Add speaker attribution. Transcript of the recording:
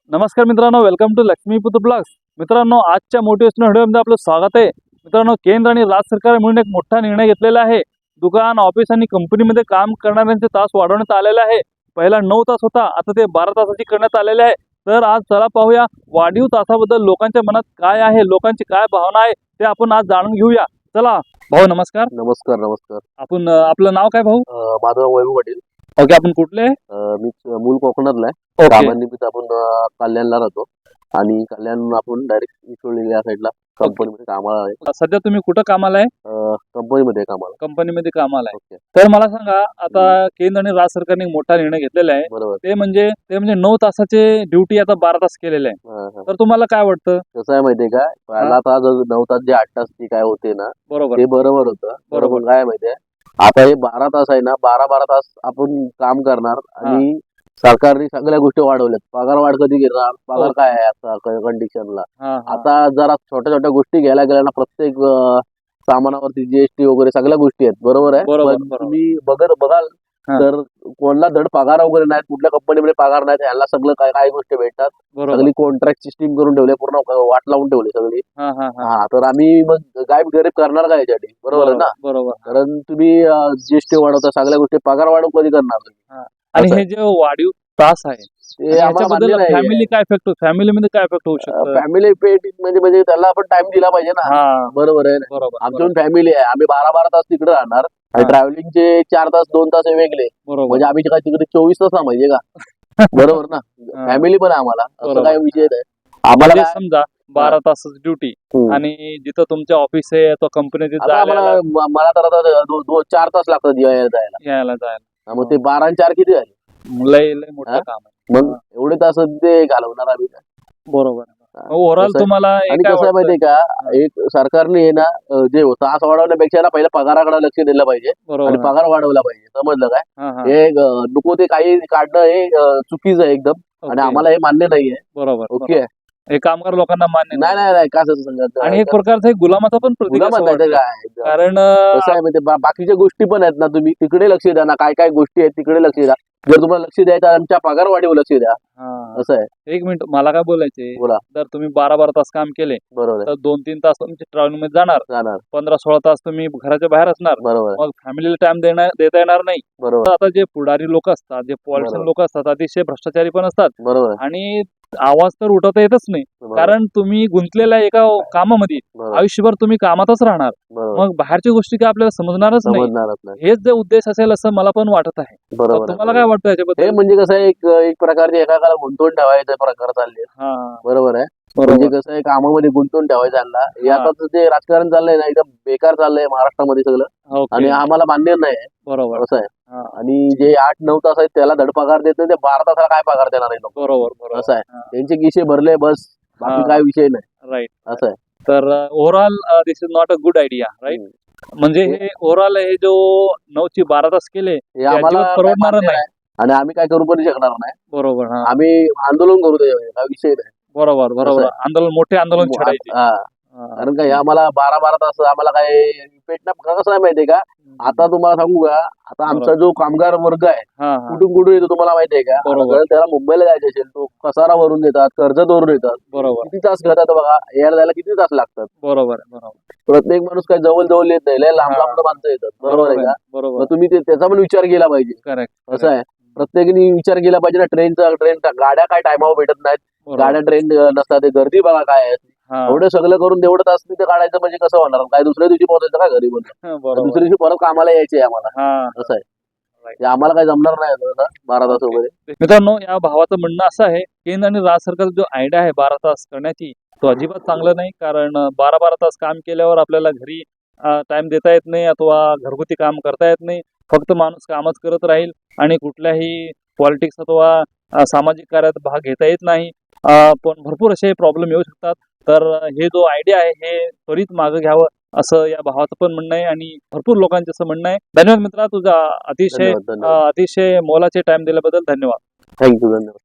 Speaker 1: नमस्कार मित्रांनो, welcome to Laxmiputra blogs. मित्रांनो, आजच्या मोटिवेशनल व्हिडिओमध्ये आपलं स्वागत आहे. मित्रांनो, केंद्र आणि राज्य सरकार मिळून एक मोठा निर्णय घेतलेला आहे. दुकान, ऑफिस आणि कंपनीमध्ये काम करणाऱ्यांचे तास वाढवण्यात आलेले आहे. पहिला 9 तास होता, आता ते 12 तासाची करण्यात आलेले आहे. तर आज चला पाहूया वाढीव तासाबद्दल लोकांच्या मनात काय आहे, लोकांची काय भावना आहे, ते आपण आज जाणून घेऊया. चला भाऊ, नमस्कार.
Speaker 2: नमस्कार नमस्कार.
Speaker 1: आपण आपलं नाव काय भाऊ?
Speaker 2: माझं नाव वैभव पाटील.
Speaker 1: ओके, आपण कुठले?
Speaker 2: मी मूळ कोकणातला आहे.
Speaker 1: ओके,
Speaker 2: कामानिमित्त आपण कल्याणला राहतो आणि कल्याण आपण डायरेक्ट इकडे या साईडला कंपनीमध्ये कामाला आहे.
Speaker 1: सध्या तुम्ही कुठं कामाला आहे?
Speaker 2: कंपनीमध्ये कामाला.
Speaker 1: कंपनीमध्ये कामाला आहे.
Speaker 2: ओके,
Speaker 1: तर मला सांगा, आता केंद्र आणि राज्य सरकारने एक मोठा निर्णय घेतलेला आहे.
Speaker 2: बरोबर.
Speaker 1: ते म्हणजे 9 तासाचे ड्युटी आता 12 तास केलेले आहे.
Speaker 2: हा, हा.
Speaker 1: तर तुम्हाला काय वाटतं?
Speaker 2: कसं आहे माहितीये का, पहिला आता जो 9 तास जे 8 तास ती काय होते ना,
Speaker 1: बरोबर
Speaker 2: ते बरोबर होतं.
Speaker 1: बरोबर.
Speaker 2: बरोबर काय माहितीये, आता हे 12 तास आहे ना, 12 तास आपण काम करणार आणि सरकारने सगळ्या गोष्टी वाढवल्यात. पगार वाढ कधी घेणार, पगार काय आहे आता कंडिशनला.
Speaker 1: हा, हा.
Speaker 2: आता जरा छोट्या छोट्या गोष्टी घ्यायला गेल्या ना, प्रत्येक सामानावरती जीएसटी वगैरे सगळ्या गोष्टी आहेत. बरोबर आहे.
Speaker 1: बरोबर,
Speaker 2: पण
Speaker 1: बरोबर.
Speaker 2: तुम्ही बघाल
Speaker 1: हा.
Speaker 2: तर कोणाला धड पगार वगैरे नाहीत, कुठल्या कंपनीमध्ये पगार नाहीत, ह्याला सगळं काय काय गोष्टी भेटतात.
Speaker 1: बरोबर.
Speaker 2: सगळी कॉन्ट्रॅक्ट सिस्टीम करून ठेवले, पूर्ण वाट लावून ठेवली सगळी.
Speaker 1: हा, हा, हा.
Speaker 2: हा, तर आम्ही मग गायब गरीब करणार काय याच्यासाठी? बरोबर आहे ना.
Speaker 1: बरोबर.
Speaker 2: कारण तुम्ही जीएसटी वाढवता, सगळ्या गोष्टी पगार वाढव कधी करणार तुम्ही?
Speaker 1: आणि
Speaker 2: असं
Speaker 1: हे जे वाढीव तास आहे,
Speaker 2: ते आम्हाला मान्य नाही.
Speaker 1: फॅमिली काय इफेक्ट, फॅमिलीमध्ये काय इफेक्ट होऊ शकतो?
Speaker 2: फॅमिली पेट म्हणजे त्याला आपण टाइम दिला पाहिजे ना.
Speaker 1: हा,
Speaker 2: बरोबर आहे ना.
Speaker 1: बरोबर
Speaker 2: आमची फॅमिली आहे, आम्ही 12 तास तिकडे राहणार आणि
Speaker 1: हा.
Speaker 2: ट्रॅव्हलिंगचे 4 तास 2 तास हे वेगळे.
Speaker 1: बरोबर.
Speaker 2: म्हणजे आम्ही काय तिकडे 24 तास थांबायचे का? बरोबर ना.
Speaker 1: हा.
Speaker 2: फॅमिली पण आहे आम्हाला, असं
Speaker 1: बरोबर.
Speaker 2: काही विषय नाही. आम्हाला
Speaker 1: म्हणजे
Speaker 2: काय-
Speaker 1: समजा 12 तासाची ड्युटी
Speaker 2: हम्म.
Speaker 1: आणि जिथं तुमचे ऑफिस आहे तो कंपनीत
Speaker 2: आता मला तर आता 4 तास लागतात जायला.
Speaker 1: यायला जायला.
Speaker 2: मग ते 12 आणि 4 किती झाले?
Speaker 1: लय लय मोठं
Speaker 2: हा?
Speaker 1: काम आहे.
Speaker 2: मग एवढे तास ते घालवणार आम्ही काय?
Speaker 1: बरोबर. ओव्हरऑल
Speaker 2: कसं आहे-
Speaker 1: तुम्हाला हे
Speaker 2: आणि
Speaker 1: काय
Speaker 2: कसं आहे
Speaker 1: वाटतं?
Speaker 2: माहितीये का, एक सरकारने हे ना जे तास वाढवण्यापेक्षा ना पहिला पगाराकडे लक्ष दिलं पाहिजे आणि
Speaker 1: बरोबर.
Speaker 2: पगार वाढवला पाहिजे. समजलं काय?
Speaker 1: हा, हा.
Speaker 2: हे नको ते काही काढणं हे चुकीचं आहे एकदम आणि
Speaker 1: ओके.
Speaker 2: आम्हाला हे मान्य नाहीये.
Speaker 1: बरोबर.
Speaker 2: ओके.
Speaker 1: हे कामगार लोकांना मान्य
Speaker 2: नाही नाही नाही का असं सांगत
Speaker 1: आणि एक प्रकारचा एक गुलामाचा पण प्रतीक असं
Speaker 2: गुलाम नाही
Speaker 1: वाटतं.
Speaker 2: काय.
Speaker 1: कारण
Speaker 2: कसं आहे माहिती, बाकीच्या गोष्टी पण आहेत ना, तुम्ही तिकडे लक्ष द्या ना, काय काय गोष्टी आहेत तिकडे लक्ष द्या. जर तुम्हाला लक्ष द्यायचं आमच्या पगार वाढीवर लक्ष द्या.
Speaker 1: हा.
Speaker 2: असं आहे.
Speaker 1: एक मिनिट, मला काय बोलायचे,
Speaker 2: बोला.
Speaker 1: जर तुम्ही 12 तास काम केले
Speaker 2: बरोबर आहे.
Speaker 1: तर 2-3 तास तुमचे ट्रॅव्हलिंग मध्ये जाणार,
Speaker 2: जाणार.
Speaker 1: 15-16 तास तुम्ही घराच्या बाहेर असणार.
Speaker 2: बरोबर आहे.
Speaker 1: मग फॅमिलीला टाइम देता येणार नाही.
Speaker 2: बरोबर
Speaker 1: तर आता जे पुढारी लोक असतात, जे पॉलिटिशियन लोक असतात, अतिशय भ्रष्टाचारी पण असतात
Speaker 2: बरोबर आहे.
Speaker 1: आणि आवाज तर उठवता येतच नाही.
Speaker 2: बरोबर.
Speaker 1: कारण तुम्ही गुंतलेल्या एका कामामध्ये
Speaker 2: बरोबर.
Speaker 1: आयुष्यभर तुम्ही कामातच राहणार.
Speaker 2: बरोबर.
Speaker 1: मग बाहेरच्या गोष्टी काय आपल्याला समजणारच नाही.
Speaker 2: समजणारच नाही.
Speaker 1: हेच जे उद्देश असेल असं मला पण वाटत आहे. तर
Speaker 2: बरोबर आहे.
Speaker 1: तुम्हाला काय वाटतं
Speaker 2: हे
Speaker 1: याच्याबद्दल?
Speaker 2: म्हणजे कसं आहे, एक प्रकारचे एकाला गुंतवून ठेवायचा प्रकार चालले.
Speaker 1: हा,
Speaker 2: बरोबर आहे. म्हणजे
Speaker 1: बरोबर.
Speaker 2: कसं आहे, कामामध्ये गुंतवून ठेवायचा आणला. हे
Speaker 1: हा.
Speaker 2: आता जे राजकारण चाललंय ना, एकदम बेकार चाललंय महाराष्ट्रामध्ये सगळं
Speaker 1: ओके.
Speaker 2: आणि आम्हाला मान्य नाही आहे.
Speaker 1: बरोबर.
Speaker 2: असं आहे.
Speaker 1: हा.
Speaker 2: आणि जे 8-9 तास आहेत त्याला धड पगार देत नाही, ते 12 तासाला काय पगार देणार आहे लोक?
Speaker 1: बरोबर. बरोबर.
Speaker 2: असं आहे. त्यांचे गिशे भरले बस, बाकी
Speaker 1: हा.
Speaker 2: काय विषय नाही.
Speaker 1: राईट.
Speaker 2: असं आहे.
Speaker 1: तर overall this is not a good idea, right? म्हणजे हे ओव्हरऑल हे जो 9 ची 12 तास केले
Speaker 2: हे
Speaker 1: ते
Speaker 2: आम्हाला
Speaker 1: अजिबात
Speaker 2: काय
Speaker 1: परवडणार
Speaker 2: मान्य
Speaker 1: नाही.
Speaker 2: नाही आणि आम्ही काय करू पण शकणार नाही.
Speaker 1: बरोबर. हा.
Speaker 2: आम्ही आंदोलन करू त्याच्यावर, काय विषय नाही.
Speaker 1: बरोबर. बरोबर.
Speaker 2: असं
Speaker 1: आंदोलन, मोठे आंदोलन छेडायचे.
Speaker 2: हा. कारण काय आम्हाला 12 तास आम्हाला काय पेट ना. कसं आहे माहितीये का, आता तुम्हाला सांगू का, आता आमचा जो कामगार वर्ग आहे
Speaker 1: हा, हा.
Speaker 2: कुठून येतो तुम्हाला माहितीये का?
Speaker 1: बरोबर.
Speaker 2: जर त्याला मुंबईला जायचं असेल, तो कसारा वरून देतात, कर्जत वरून येतात.
Speaker 1: बरोबर.
Speaker 2: किती तास घेतात बघा, यायला जायला किती तास लागतात?
Speaker 1: बरोबर. बरोबर.
Speaker 2: प्रत्येक माणूस काय जवळ जवळ येत नाही, लय लांब
Speaker 1: हा.
Speaker 2: लांब माणसं येतात. बरोबर आहे का?
Speaker 1: बरोबर.
Speaker 2: मग तुम्ही त्याचा पण विचार केला पाहिजे.
Speaker 1: करेक्ट.
Speaker 2: असं आहे. प्रत्येकाने विचार केला पाहिजे ना. ट्रेन गाड्या काय टायमावर भेटत नाहीत, गाड्या ट्रेन नसतात, ते गर्दी बघा काय आहे. एवढं सगळं करून तेवढं तास तिथे काढायचं म्हणजे कसं होणार? काय दुसऱ्या दिवशी पोहोचायचं का घरी? म्हणून
Speaker 1: बरोबर.
Speaker 2: दुसऱ्या दिवशी परत कामाला यायचे आम्हाला.
Speaker 1: हा.
Speaker 2: असं आहे.
Speaker 1: Right.
Speaker 2: ते आम्हाला काय जमणार नाही आता 12 तास वगैरे.
Speaker 1: मित्रांनो, या भावाचं म्हणणं असं आहे, केंद्र आणि राज्य सरकार जो आयडिया आहे 12 तास करण्याची, तो अजिबात चांगला नाही. कारण 12 तास काम केल्यावर आपल्याला घरी टाइम देता येत नाही अथवा घरगुती काम करता येत नाही. फक्त माणूस कामच करत राहील आणि कुठल्याही पॉलिटिक्स अथवा सामाजिक कार्यात भाग घेता येत नाही. पण भरपूर असे प्रॉब्लेम येऊ शकतात. तर हे जो आयडिया आहे हे त्वरित मागं घ्यावं असं या भावाचं पण म्हणणं आहे आणि भरपूर लोकांचं असं म्हणणं आहे. धन्यवाद मित्रा, तुझा अतिशय
Speaker 2: धन्यवाद.
Speaker 1: अतिशय मोलाचे टाइम दिल्याबद्दल धन्यवाद.
Speaker 2: थँक्यू. धन्यवाद.